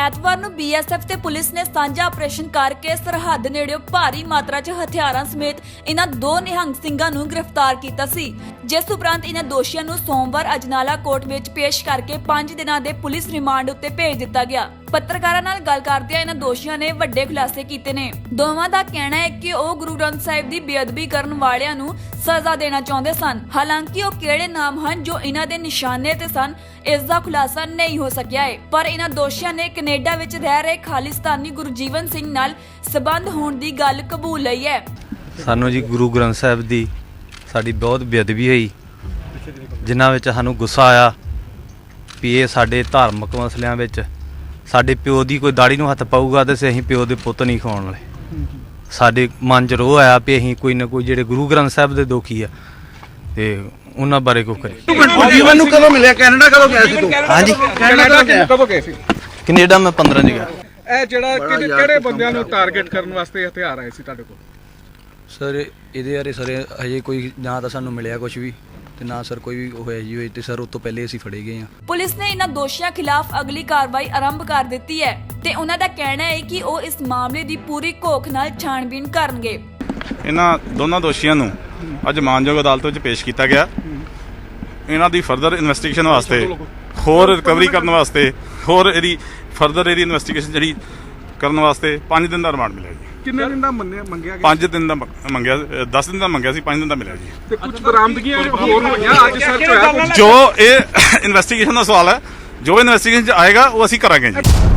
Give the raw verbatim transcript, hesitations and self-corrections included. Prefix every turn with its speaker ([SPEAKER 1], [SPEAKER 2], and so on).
[SPEAKER 1] ਐਤਵਾਰ ਨੂੰ ਬੀਐਸਐਫ ਤੇ ਪੁਲਿਸ ਨੇ ਸਾਂਝਾ ਆਪਰੇਸ਼ਨ ਕਰਕੇ ਸਰਹੱਦ ਨੇੜਿਓਂ ਭਾਰੀ ਮਾਤਰਾ 'ਚ ਹਥਿਆਰਾਂ ਸਮੇਤ ਇਹਨਾਂ ਦੋ ਨਿਹੰਗ ਸਿੰਘਾਂ ਨੂੰ ਗ੍ਰਿਫਤਾਰ ਕੀਤਾ ਸੀ, ਜਿਸ ਉਪਰੰਤ ਇਹਨਾਂ ਦੋਸ਼ੀਆਂ ਨੂੰ ਸੋਮਵਾਰ ਅਜਨਾਲਾ ਕੋਰਟ ਵਿੱਚ ਪੇਸ਼ ਕਰਕੇ ਪੰਜ ਦਿਨਾਂ ਦੇ ਪੁਲਿਸ ਰਿਮਾਂਡ ਉੱਤੇ ਭੇਜ ਦਿੱਤਾ ਗਿਆ। ਪੱਤਰਕਾਰਾਂ ਨਾਲ ਗੱਲ ਕਰਦਿਆਂ ਇਹਨਾਂ ਦੋਸ਼ੀਆਂ ਨੇ ਵੱਡੇ ਖੁਲਾਸੇ ਕੀਤੇ ਨੇ। ਦੋਵਾਂ ਦਾ ਕਹਿਣਾ ਹੈ ਕਿ ਉਹ ਗੁਰੂ ਗ੍ਰੰਥ ਸਾਹਿਬ ਦੀ ਬੇਅਦਬੀ ਕਰਨ ਵਾਲਿਆਂ ਨੂੰ ਸਜ਼ਾ ਦੇਣਾ ਚਾਹੁੰਦੇ ਸਨ। ਹਾਲਾਂਕਿ ਉਹ ਕਿਹੜੇ ਨਾਮ ਹਨ ਜੋ ਇਹਨਾਂ ਦੇ ਨਿਸ਼ਾਨੇ ਤੇ ਸਨ, ਇਸ ਦਾ ਖੁਲਾਸਾ ਨਹੀਂ ਹੋ ਸਕਿਆ ਹੈ, ਪਰ ਇਹਨਾਂ ਦੋਸ਼ੀਆਂ ਨੇ ਕੈਨੇਡਾ ਵਿੱਚ ਰਹਿ ਰਹੇ ਖਾਲਿਸਤਾਨੀ ਗੁਰਜੀਵਨ ਸਿੰਘ ਨਾਲ ਸਬੰਧ ਹੋਣ ਦੀ ਗੱਲ ਕਬੂਲ ਲਈ ਹੈ।
[SPEAKER 2] ਸਾਨੂੰ ਜੀ ਗੁਰੂ ਗ੍ਰੰਥ ਸਾਹਿਬ ਦੀ ਸਾਡੀ ਬਹੁਤ ਬੇਅਦਬੀ ਹੋਈ, ਜਿਨ੍ਹਾਂ ਵਿੱਚ ਸਾਨੂੰ ਗੁੱਸਾ ਆਇਆ ਵੀ ਇਹ ਸਾਡੇ ਧਾਰਮਿਕ ਮਸਲਿਆਂ ਵਿੱਚ ਸਾਡੇ ਪਿਓ ਦੀ ਕੋਈ ਦਾੜੀ ਨੂੰ ਹੱਥ ਪਾਊਗਾ ਤੇ ਅਸੀਂ ਪਿਓ ਦੇ ਪੁੱਤ ਨਹੀਂ ਖਾਣ ਵਾਲੇ। ਸਾਡੇ ਮਨ 'ਚ ਰੋਹ ਆਇਆ ਵੀ ਅਸੀਂ ਕੋਈ ਨਾ ਕੋਈ ਜਿਹੜੇ ਗੁਰੂ ਗ੍ਰੰਥ ਸਾਹਿਬ ਦੇ ਦੋਖੀ ਆ ਤੇ ਉਹਨਾਂ ਬਾਰੇ ਕੁਝ ਕਰੀਏ।
[SPEAKER 3] ਜੀਵਨ ਨੂੰ ਕਦੋਂ ਮਿਲਿਆ? ਕੈਨੇਡਾ ਕਦੋਂ ਗਿਆ ਸੀ ਤੂੰ?
[SPEAKER 2] ਹਾਂਜੀ,
[SPEAKER 3] ਕੈਨੇਡਾ ਕਦੋਂ ਗਏ ਸੀ?
[SPEAKER 2] ਕੈਨੇਡਾ ਮੈਂ ਪੰਦਰਾਂ ਚ ਗਿਆ।
[SPEAKER 4] ਇਹ ਜਿਹੜਾ ਕਿਹੜੇ ਬੰਦਿਆਂ ਨੂੰ ਟਾਰਗੇਟ ਕਰਨ ਵਾਸਤੇ ਹਥਿਆਰ ਆਏ ਸੀ ਤੁਹਾਡੇ ਕੋਲ?
[SPEAKER 5] ਸਰ ਇਹਦੇ ਬਾਰੇ ਸਰ ਹਜੇ ਕੋਈ ਨਾ ਤਾਂ ਸਾਨੂੰ ਮਿਲਿਆ ਕੁਝ ਵੀ ਤੇ ਨਾ ਸਰ ਕੋਈ ਵੀ ਹੋਇਆ ਜੀ ਹੋਈ ਤੇ ਸਰ ਉਸ ਤੋਂ ਪਹਿਲੇ ਅਸੀਂ ਫੜੇ ਗਏ ਹਾਂ।
[SPEAKER 1] ਪੁਲਿਸ ਨੇ ਇਹਨਾਂ ਦੋਸ਼ੀਆਂ ਖਿਲਾਫ ਅਗਲੀ ਕਾਰਵਾਈ ਆਰੰਭ ਕਰ ਦਿੱਤੀ ਹੈ ਤੇ ਉਹਨਾਂ ਦਾ ਕਹਿਣਾ ਹੈ ਕਿ ਉਹ ਇਸ ਮਾਮਲੇ ਦੀ ਪੂਰੀ ਘੋਖ ਨਾਲ ਛਾਣਬੀਣ ਕਰਨਗੇ।
[SPEAKER 6] ਇਹਨਾਂ ਦੋਨਾਂ ਦੋਸ਼ੀਆਂ ਨੂੰ ਅੱਜ ਮਾਨਯੋਗ ਅਦਾਲਤ ਵਿੱਚ ਪੇਸ਼ ਕੀਤਾ ਗਿਆ। ਇਹਨਾਂ ਦੀ ਫਰਦਰ ਇਨਵੈਸਟੀਗੇਸ਼ਨ ਵਾਸਤੇ, ਹੋਰ ਰਿਕਵਰੀ ਕਰਨ ਵਾਸਤੇ, ਹੋਰ ਇਹਦੀ ਫਰਦਰ ਇਹਦੀ ਇਨਵੈਸਟੀਗੇਸ਼ਨ ਜਿਹੜੀ ਕਰਨ ਵਾਸਤੇ ਪੰਜ ਦਿਨ ਦਾ ਰਿਮਾਂਡ ਮਿਲਿਆ ਜੀ।
[SPEAKER 4] ਕਿੰਨੇ ਦਿਨ ਦਾ ਮੰਨਿਆ ਮੰਗਿਆ ਗਿਆ?
[SPEAKER 6] ਪੰਜ ਦਿਨ ਦਾ ਮੰਗਿਆ, ਦਸ ਦਿਨ ਦਾ ਮੰਗਿਆ ਸੀ, ਪੰਜ ਦਿਨ ਦਾ ਮਿਲਿਆ ਜੀ।
[SPEAKER 4] ਤੇ ਕੁਝ ਬਰਾਮਦਗੀਆਂ ਹੋਰ ਹੋਈਆਂ ਅੱਜ ਸਰਚ ਹੋਇਆ?
[SPEAKER 6] ਜੋ ਇਹ ਇਨਵੈਸਟੀਗੇਸ਼ਨ ਦਾ ਸਵਾਲ ਹੈ, ਜੋ ਇਨਵੈਸਟੀਗੇਸ਼ਨ 'ਚ ਆਏਗਾ ਉਹ ਅਸੀਂ ਕਰਾਂਗੇ ਜੀ।